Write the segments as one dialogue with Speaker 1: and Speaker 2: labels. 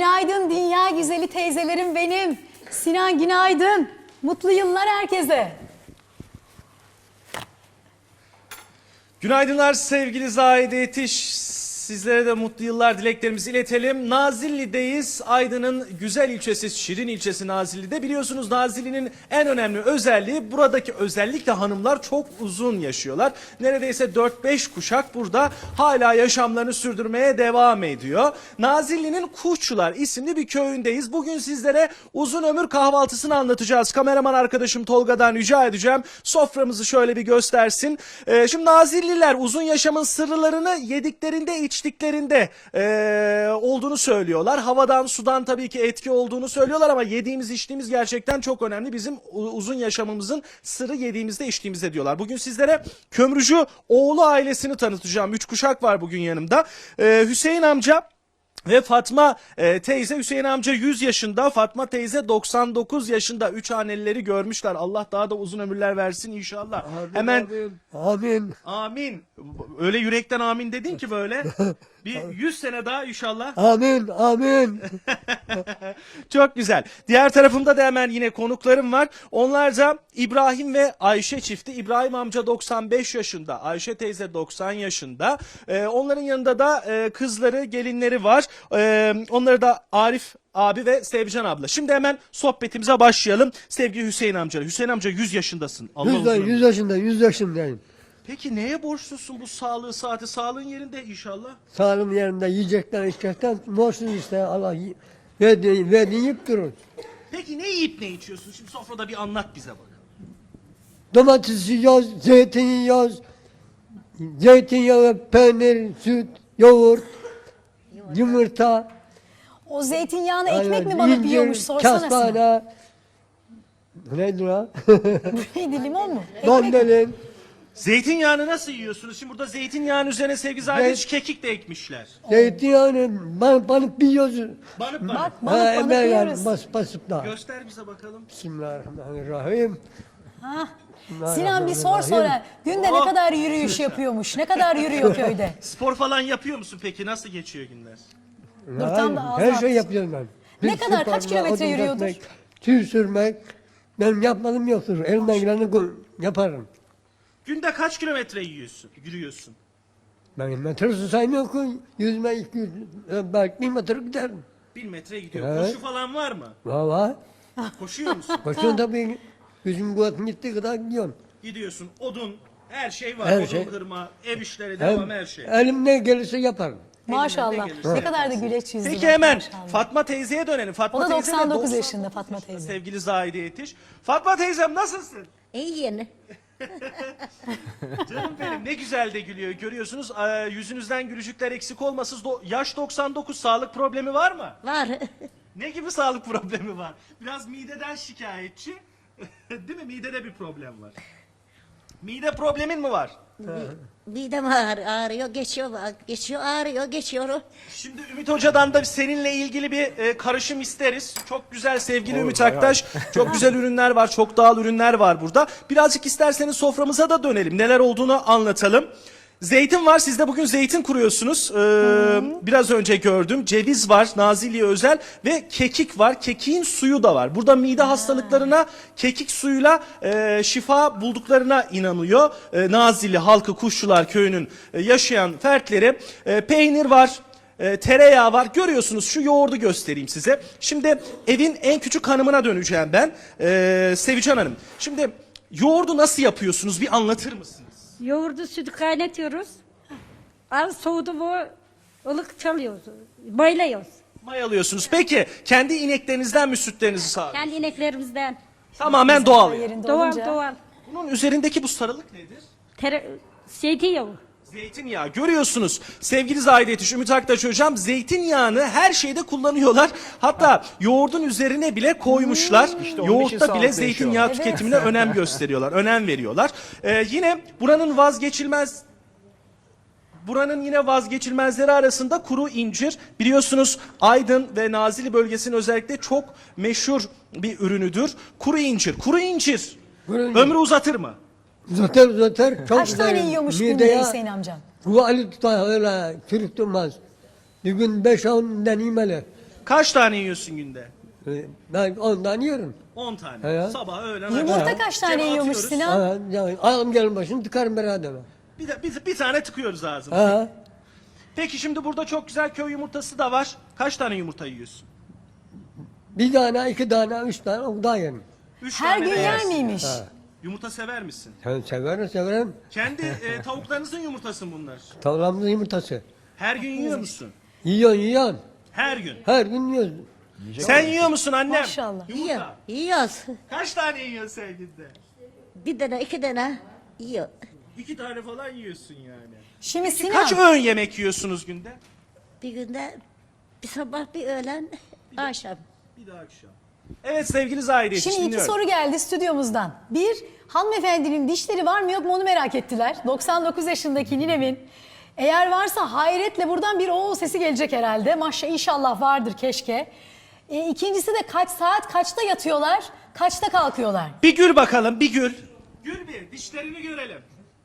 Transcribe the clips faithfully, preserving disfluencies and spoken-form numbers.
Speaker 1: Günaydın dünya güzeli teyzelerim benim. Sinan günaydın. Mutlu yıllar herkese.
Speaker 2: Günaydınlar sevgili Zahide Yetiş. Sizlere de mutlu yıllar dileklerimizi iletelim. Nazilli'deyiz. Aydın'ın güzel ilçesi, Şirin ilçesi Nazilli'de. Biliyorsunuz Nazilli'nin en önemli özelliği, buradaki özellikle hanımlar çok uzun yaşıyorlar. Neredeyse dört beş kuşak burada hala yaşamlarını sürdürmeye devam ediyor. Nazilli'nin Kuşçular isimli bir köyündeyiz. Bugün sizlere uzun ömür kahvaltısını anlatacağız. Kameraman arkadaşım Tolga'dan rica edeceğim. Soframızı şöyle bir göstersin. Ee, şimdi Nazilliler uzun yaşamın sırlarını yediklerinde iç içtiklerinde e, olduğunu söylüyorlar. Havadan, sudan tabii ki etki olduğunu söylüyorlar ama yediğimiz, içtiğimiz gerçekten çok önemli. Bizim uzun yaşamımızın sırrı yediğimizde, içtiğimizde diyorlar. Bugün sizlere Kömürcü oğlu ailesini tanıtacağım. Üç kuşak var bugün yanımda. E, Hüseyin amca ve Fatma e, teyze. Hüseyin amca yüz yaşında, Fatma teyze doksan dokuz yaşında. Üç hanelileri görmüşler. Allah daha da uzun ömürler versin inşallah.
Speaker 3: Amin,
Speaker 2: Hemen
Speaker 3: amin. Amin.
Speaker 2: amin. Öyle yürekten amin dedin ki böyle. Bir yüz sene daha inşallah.
Speaker 3: Amin. Amin.
Speaker 2: Çok güzel. Diğer tarafımda da hemen yine konuklarım var. Onlar da İbrahim ve Ayşe çifti. İbrahim amca doksan beş yaşında. Ayşe teyze doksan yaşında. Ee, onların yanında da e, kızları, gelinleri var. Ee, onları da Arif abi ve Sevcan abla. Şimdi hemen sohbetimize başlayalım. Sevgili Hüseyin amca. Hüseyin amca yüz yaşındasın. Allah
Speaker 3: Yüz,
Speaker 2: uzun ömür.
Speaker 3: yüz yaşında, yüz yaşındayım.
Speaker 2: Peki neye borçlusun bu sağlığı, saati? Sağlığın yerinde inşallah.
Speaker 3: Sağlığım yerinde yiyecekten, içecekten borçsuz işte. Allah y- verdiğini, verdiğini yiyip durur.
Speaker 2: Peki ne yiyip ne içiyorsun? Şimdi sofrada bir anlat bize bak.
Speaker 3: Domates yiyoruz, zeytin yiyoruz. Zeytinyağı, peynir, süt, yoğurt, yumurta.
Speaker 1: O zeytinyağını
Speaker 3: yani
Speaker 1: ekmek mi banıp
Speaker 3: incir,
Speaker 1: yiyormuş sorsana Sinan.
Speaker 3: kestane. Neydi o?
Speaker 1: Neydi limon mu? Ekmek.
Speaker 3: Mandalin.
Speaker 2: Zeytinyağını nasıl yiyorsunuz? Şimdi burada zeytinyağının üzerine sevgili Zahide kekik de ekmişler.
Speaker 3: Zeytinyağını ban, banıp yiyoruz.
Speaker 2: Banıp banıp.
Speaker 1: Bak
Speaker 3: Ha,
Speaker 1: banıp banıp
Speaker 3: emel yani
Speaker 1: yiyoruz.
Speaker 3: bas, basıp da.
Speaker 2: Göster bize bakalım.
Speaker 3: Bismillahirrahmanirrahim.
Speaker 1: Hah. Sinan bir sor sonra. Günde ne
Speaker 2: Oh.
Speaker 1: kadar yürüyüş yapıyormuş? Ne kadar yürüyor köyde?
Speaker 2: Spor falan yapıyor musun peki? Nasıl geçiyor günler?
Speaker 1: Dur, tam da ağzı
Speaker 3: Her
Speaker 1: attı.
Speaker 3: şey yapıyorum ben.
Speaker 1: Ne
Speaker 3: Bir
Speaker 1: kadar, kaç
Speaker 3: sporla,
Speaker 1: kilometre
Speaker 3: odun
Speaker 1: yürüyordur?
Speaker 3: kesmek, tüy sürmek. Benim yapmadığım yoktur. Elimden geleni gu- yaparım.
Speaker 2: Günde kaç kilometre yiyorsun, yürüyorsun?
Speaker 3: Ben metresi saymıyorum ki. Yüzme iki yüz, belki bir metre giderim.
Speaker 2: Bin metre gidiyor.
Speaker 3: Evet.
Speaker 2: Koşu falan var mı?
Speaker 3: Valla.
Speaker 2: Koşuyor musun?
Speaker 3: Koşun tabii. Gücüm kuvvetim gittiği kadar gidiyorum.
Speaker 2: Gidiyorsun. Odun, her şey var.
Speaker 3: Her
Speaker 2: Odun
Speaker 3: şey.
Speaker 2: kırma, ev işleri,
Speaker 3: Hem,
Speaker 2: devam her şey.
Speaker 3: elim ne gelirse yaparım.
Speaker 1: Maşallah.
Speaker 2: gelirse
Speaker 1: Ne kadar da güleç yüzlü.
Speaker 2: Peki
Speaker 1: bak,
Speaker 2: hemen
Speaker 1: maşallah.
Speaker 2: Fatma teyzeye dönelim. Fatma
Speaker 1: O da
Speaker 2: teyze de
Speaker 1: doksan dokuz
Speaker 2: doksan
Speaker 1: yaşında Fatma
Speaker 2: yaşında
Speaker 1: teyze.
Speaker 2: Sevgili Zahide Yetiş. Fatma teyzem nasılsın?
Speaker 4: İyiyim.
Speaker 2: Canım benim ne güzel de gülüyor. Görüyorsunuz e, yüzünüzden gülücükler eksik olmasın. Do- yaş doksan dokuz, sağlık problemi var mı?
Speaker 4: Var.
Speaker 2: Ne gibi sağlık problemi var? Biraz mideden şikayetçi. Değil mi? Midede bir problem var. Mide problemin mi var?
Speaker 4: Midem ağır, ağrıyor, geçiyor, geçiyor, ağrıyor, geçiyor.
Speaker 2: Şimdi Ümit Hoca'dan da seninle ilgili bir e, karışım isteriz. Çok güzel sevgili Ümit Aktaş. Çok güzel ürünler var, çok doğal ürünler var burada. Birazcık isterseniz soframıza da dönelim. Neler olduğunu anlatalım. Zeytin var. Siz de bugün zeytin kuruyorsunuz. Ee, biraz önce gördüm. Ceviz var. Nazilli'ye özel. Ve kekik var. Kekiğin suyu da var. Burada mide hastalıklarına kekik suyuyla e, şifa bulduklarına inanıyor. E, Nazilli halkı, Kuşçular köyünün e, yaşayan fertleri. E, peynir var. E, tereyağı var. Görüyorsunuz, şu yoğurdu göstereyim size. Şimdi evin en küçük hanımına döneceğim ben. E, Sevican Hanım. Şimdi yoğurdu nasıl yapıyorsunuz? Bir anlatır mısınız?
Speaker 5: Yoğurdu sütü kaynatıyoruz. Az soğudu bu ılık çalıyoruz. Boyluyoruz.
Speaker 2: Mayalıyorsunuz. Peki kendi ineklerinizden mi sütlerinizi sağlıyorsunuz?
Speaker 5: Kendi ineklerimizden.
Speaker 2: Tamamen doğal.
Speaker 1: Yerinde
Speaker 5: Doğal
Speaker 1: olunca.
Speaker 5: doğal.
Speaker 2: Bunun üzerindeki bu sarılık nedir?
Speaker 5: Tere, zeytinyağı.
Speaker 2: Zeytinyağı. Görüyorsunuz sevgili Zahide Yetiş, Ümit Aktaş hocam zeytinyağını her şeyde kullanıyorlar. Hatta yoğurdun üzerine bile koymuşlar. Yoğurtta bile zeytinyağı
Speaker 1: Evet.
Speaker 2: tüketimine önem gösteriyorlar, önem veriyorlar. Ee, yine buranın vazgeçilmez Buranın yine vazgeçilmezleri arasında kuru incir. Biliyorsunuz Aydın ve Nazilli bölgesinin özellikle çok meşhur bir ürünüdür. Kuru incir. Kuru incir
Speaker 3: Kuru incir.
Speaker 2: ömrü uzatır mı?
Speaker 3: Uzatır uzatır. Çok
Speaker 1: Kaç tane
Speaker 3: güzel.
Speaker 1: yiyormuş
Speaker 3: Mideye
Speaker 1: günde Hüseyin amcam?
Speaker 3: Kuvali tutar öyle çürük durmaz. Bir gün beş on deneyimeli.
Speaker 2: Kaç tane yiyorsun günde?
Speaker 3: E, Ben ondan yiyorum.
Speaker 2: on tane.
Speaker 3: He.
Speaker 2: Sabah, öğlen,
Speaker 1: Yumurta
Speaker 2: akşam.
Speaker 1: kaç tane
Speaker 2: Cebe
Speaker 1: yiyormuş
Speaker 2: atıyoruz.
Speaker 1: Sinan?
Speaker 3: Ha, yani alım gelin başını tıkarım beraber.
Speaker 2: Bir, de, bir, bir tane tıkıyoruz ağzına.
Speaker 3: Ha.
Speaker 2: Peki şimdi burada çok güzel köy yumurtası da var. Kaç tane yumurta yiyorsun?
Speaker 3: Bir tane, iki tane, üç tane o da yerim.
Speaker 2: Üç
Speaker 1: Her
Speaker 2: tane
Speaker 1: gün
Speaker 2: de
Speaker 1: yer
Speaker 2: yersin.
Speaker 1: miymiş?
Speaker 3: Ha.
Speaker 2: Yumurta sever misin?
Speaker 3: Sen severim severim.
Speaker 2: Kendi e, tavuklarınızın yumurtası mı bunlar?
Speaker 3: Tavlamızın yumurtası.
Speaker 2: Her gün yiyor musun?
Speaker 3: Yiyorsun yiyorsun.
Speaker 2: Her gün.
Speaker 3: Her gün yiyorsun.
Speaker 2: Sen yiyor musun annem?
Speaker 1: Maşallah.
Speaker 4: Yiyor.
Speaker 2: Yumurta.
Speaker 4: Yiyoruz.
Speaker 2: Kaç tane yiyorsun sen günde?
Speaker 4: Bir tane iki tane yiyor.
Speaker 2: İki tane falan yiyorsun yani.
Speaker 1: Şimdi Sinan.
Speaker 2: Kaç öğün yemek yiyorsunuz günde?
Speaker 4: Bir günde bir sabah bir öğlen akşam.
Speaker 2: Bir daha akşam. Evet sevgili Zahide
Speaker 1: Şimdi iki
Speaker 2: dinliyorum.
Speaker 1: soru geldi stüdyomuzdan. Bir, hanımefendinin dişleri var mı yok mu onu merak ettiler. doksan dokuz yaşındaki ninemin. Eğer varsa hayretle buradan bir oğul sesi gelecek herhalde. Maşallah inşallah vardır keşke. E, ikincisi de kaç saat kaçta yatıyorlar, kaçta kalkıyorlar?
Speaker 2: Bir gül bakalım, bir gül. Gül bir, dişlerini görelim.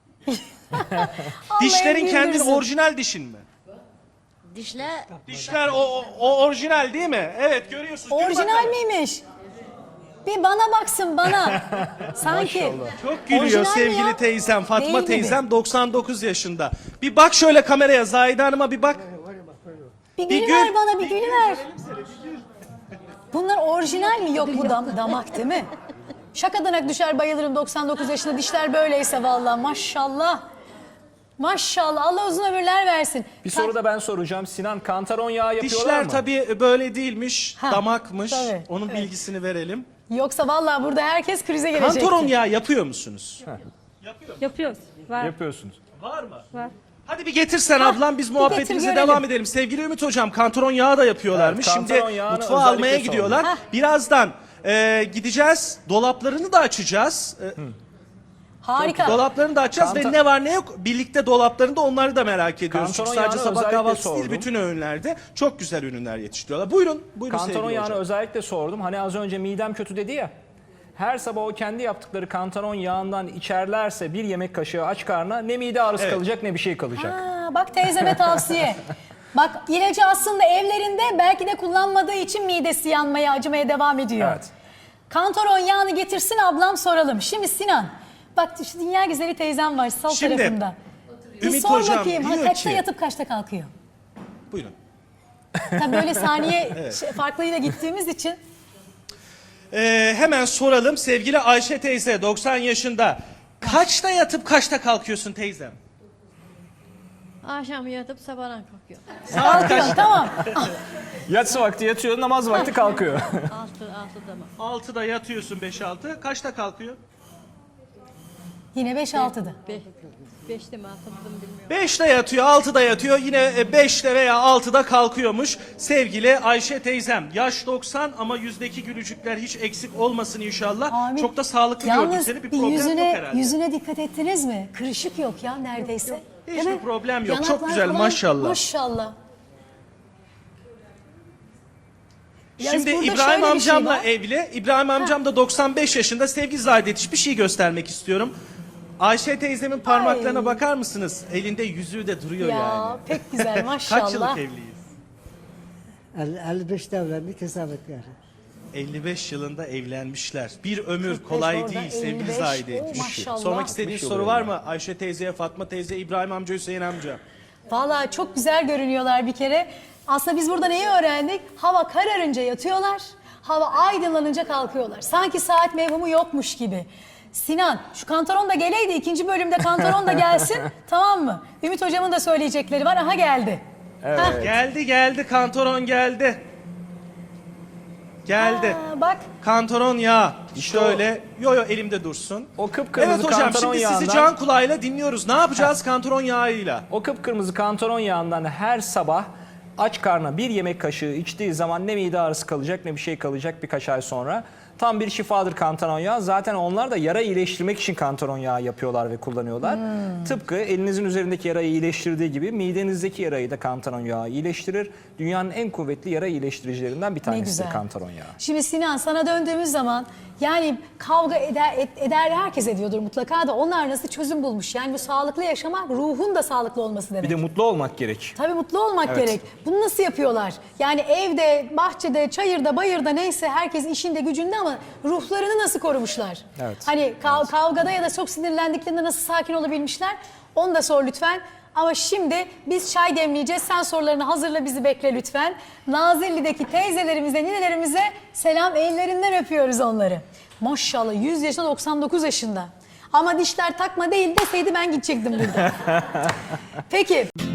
Speaker 1: Allah
Speaker 2: Dişlerin
Speaker 1: en
Speaker 2: kendin
Speaker 1: güldürsün.
Speaker 2: orijinal dişin mi?
Speaker 4: Dişler
Speaker 2: Dişler o, o, o orijinal değil mi? Evet görüyorsunuz. Gül
Speaker 1: Orijinal
Speaker 2: bakalım.
Speaker 1: miymiş? Bir bana baksın bana. Sanki.
Speaker 2: Çok gülüyor
Speaker 1: Orijinal mi
Speaker 2: sevgili
Speaker 1: ya?
Speaker 2: teyzem. Fatma
Speaker 1: Değil gibi.
Speaker 2: teyzem doksan dokuz yaşında. Bir bak şöyle kameraya Zahide Hanım'a bir bak.
Speaker 1: Bir
Speaker 2: Bir
Speaker 1: gül
Speaker 2: gül.
Speaker 1: ver bana bir
Speaker 2: Bir
Speaker 1: gül
Speaker 2: gül
Speaker 1: ver.
Speaker 2: verelim sana, bir gül.
Speaker 1: Bunlar orijinal mi? Yok bu dam- damak değil mi? Şakadan düşer bayılırım doksan dokuz yaşında dişler böyleyse vallahi maşallah. Maşallah Allah uzun ömürler versin.
Speaker 6: Bir soru da ben soracağım. Sinan, kantaron yağı yapıyorlar
Speaker 2: Dişler
Speaker 6: mı?
Speaker 2: tabii böyle değilmiş,
Speaker 1: Ha,
Speaker 2: damakmış.
Speaker 1: tabii,
Speaker 2: Onun
Speaker 1: evet.
Speaker 2: bilgisini verelim.
Speaker 1: Yoksa vallahi burada herkes krize gelecekti.
Speaker 2: Kantaron yağı yapıyor musunuz?
Speaker 5: Yapıyoruz. Var.
Speaker 6: Yapıyorsunuz.
Speaker 2: Var mı?
Speaker 5: Var.
Speaker 2: Hadi bir getirsen ablam biz muhabbetimize
Speaker 1: getir,
Speaker 2: devam
Speaker 1: görelim.
Speaker 2: edelim. Sevgili Ümit Hocam kantaron yağı da yapıyorlarmış.
Speaker 6: Evet,
Speaker 2: Şimdi
Speaker 6: kantaron yağını
Speaker 2: mutfağa
Speaker 6: özellikle
Speaker 2: almaya
Speaker 6: sordum.
Speaker 2: gidiyorlar.
Speaker 1: Hah.
Speaker 2: Birazdan e, gideceğiz. Dolaplarını da açacağız. E,
Speaker 1: Harika.
Speaker 2: dolaplarını da açacağız
Speaker 6: Kanta-
Speaker 2: ve ne var ne yok birlikte dolaplarında onları da merak ediyoruz.
Speaker 6: Kantaron
Speaker 2: Çünkü sadece
Speaker 6: yağını
Speaker 2: sabah
Speaker 6: özellikle
Speaker 2: kahvaltısı değil
Speaker 6: sordum.
Speaker 2: bütün öğünlerde çok güzel ürünler yetiştiriyorlar. Buyurun. Buyurun
Speaker 6: Kantaron
Speaker 2: sevgili
Speaker 6: yağını
Speaker 2: hocam.
Speaker 6: özellikle sordum. Hani az önce midem kötü dedi ya. Her sabah o kendi yaptıkları kantaron yağından içerlerse bir yemek kaşığı aç karnına ne mide ağrısı
Speaker 2: Evet.
Speaker 6: kalacak ne bir şey kalacak.
Speaker 1: Ha, bak teyzeme tavsiye. Bak ilacı aslında evlerinde belki de kullanmadığı için midesi yanmaya, acımaya devam ediyor.
Speaker 6: Evet.
Speaker 1: Kantaron yağını getirsin ablam soralım. Şimdi Sinan, bak şu dünya güzeli teyzem var sol
Speaker 2: Şimdi,
Speaker 1: tarafında. Bir
Speaker 2: Ümit
Speaker 1: sor
Speaker 2: hocam
Speaker 1: bakayım ha,
Speaker 2: diyor
Speaker 1: kaçta
Speaker 2: ki-
Speaker 1: yatıp kaçta kalkıyor?
Speaker 2: Buyurun.
Speaker 1: Tabii böyle saniye şey, farklıyla gittiğimiz için.
Speaker 2: Ee, hemen soralım sevgili Ayşe teyze doksan yaşında. Kaçta yatıp kaçta kalkıyorsun teyzem?
Speaker 7: Akşam yatıp sabahdan kalkıyor.
Speaker 2: Saat kaç?
Speaker 1: Kalkıyor tamam.
Speaker 6: Yatsı vakti yatıyor, namaz vakti kalkıyor.
Speaker 7: Altı, altıda mı?
Speaker 2: altıda yatıyorsun beş altı. Kaçta kalkıyor?
Speaker 1: Yine beş altıda.
Speaker 7: Beş, beşte mi altıda mı bilmiyorum.
Speaker 2: beşte yatıyor, altıda yatıyor. Yine beşte veya altıda kalkıyormuş. Sevgili Ayşe teyzem. Yaş doksan ama yüzdeki gülücükler hiç eksik olmasın inşallah.
Speaker 1: Amin.
Speaker 2: Çok da sağlıklı gördük
Speaker 1: Yalnız
Speaker 2: seni. Bir
Speaker 1: bir
Speaker 2: problem yok
Speaker 1: yüzüne,
Speaker 2: herhalde.
Speaker 1: yüzüne dikkat ettiniz mi? Kırışık yok ya neredeyse. Değil
Speaker 2: Hiçbir
Speaker 1: mi?
Speaker 2: problem yok. Çok
Speaker 1: Yanaklar
Speaker 2: güzel,
Speaker 1: falan,
Speaker 2: maşallah.
Speaker 1: Maşallah. Ya
Speaker 2: Şimdi
Speaker 1: burada
Speaker 2: İbrahim
Speaker 1: şöyle bir şey
Speaker 2: amcamla
Speaker 1: var.
Speaker 2: evli. İbrahim amcam da doksan beş yaşında. Sevgili Zahide bir şey göstermek istiyorum. Ayşe teyzemin parmaklarına
Speaker 1: Ay.
Speaker 2: bakar mısınız? Elinde yüzüğü de duruyor
Speaker 1: Ya
Speaker 2: yani.
Speaker 1: pek güzel maşallah.
Speaker 2: Kaç yıllık evliyiz?
Speaker 3: elli beşte evlendik hesap et yani.
Speaker 2: elli beş yılında evlenmişler. Bir ömür kolay
Speaker 1: orada,
Speaker 2: değil sevgili
Speaker 1: elli beş.
Speaker 2: Zahide.
Speaker 1: Oo, maşallah.
Speaker 2: Sormak istediğiniz soru var mı? Ayşe teyzeye, Fatma teyze, İbrahim amca, Hüseyin amca.
Speaker 1: Vallahi çok güzel görünüyorlar bir kere. Aslında biz burada neyi öğrendik? Hava kararınca yatıyorlar, hava aydınlanınca kalkıyorlar. Sanki saat mevhumu yokmuş gibi. Sinan, şu kantaron da geleydi, ikinci bölümde kantaron da gelsin, tamam mı? Ümit hocamın da söyleyecekleri var, aha geldi.
Speaker 6: Evet.
Speaker 1: Hah.
Speaker 2: Geldi geldi kantoron geldi. Geldi.
Speaker 1: Aa, bak,
Speaker 2: Kantaron yağı.
Speaker 6: İşte
Speaker 2: Şöyle. Yo yo elimde dursun.
Speaker 6: O kıpkırmızı
Speaker 2: Evet hocam
Speaker 6: kantaron
Speaker 2: şimdi sizi
Speaker 6: yağından-
Speaker 2: can kulağıyla dinliyoruz. Ne yapacağız kantaron yağıyla?
Speaker 6: O kıpkırmızı kantaron yağından her sabah aç karnına bir yemek kaşığı içtiği zaman ne mide ağrısı kalacak ne bir şey kalacak birkaç ay sonra. Tam bir şifadır kantaron yağı. Zaten onlar da yara iyileştirmek için kantaron yağı yapıyorlar ve kullanıyorlar.
Speaker 1: Hmm.
Speaker 6: Tıpkı elinizin üzerindeki yarayı iyileştirdiği gibi midenizdeki yarayı da kantaron yağı iyileştirir. Dünyanın en kuvvetli yara iyileştiricilerinden bir
Speaker 1: Ne
Speaker 6: tanesidir
Speaker 1: güzel.
Speaker 6: kantaron yağı.
Speaker 1: Şimdi Sinan, sana döndüğümüz zaman yani kavga eder, et- eder herkes ediyordur mutlaka da onlar nasıl çözüm bulmuş? Yani bu sağlıklı yaşamak ruhun da sağlıklı olması demek.
Speaker 6: Bir de mutlu olmak gerek.
Speaker 1: Tabii mutlu olmak
Speaker 6: Evet.
Speaker 1: gerek. Bunu nasıl yapıyorlar? Yani evde, bahçede, çayırda, bayırda neyse herkes işinde gücünde ama ruhlarını nasıl korumuşlar?
Speaker 6: Evet.
Speaker 1: Hani kav- kavgada ya da çok sinirlendiklerinde nasıl sakin olabilmişler? Onu da sor lütfen. Ama şimdi biz çay demleyeceğiz. Sen sorularını hazırla, bizi bekle lütfen. Nazilli'deki teyzelerimize, ninelerimize selam, ellerinden öpüyoruz onları. Maşallah yüz yaşında, doksan dokuz yaşında. Ama dişler takma değil deseydi ben gidecektim burada. Peki.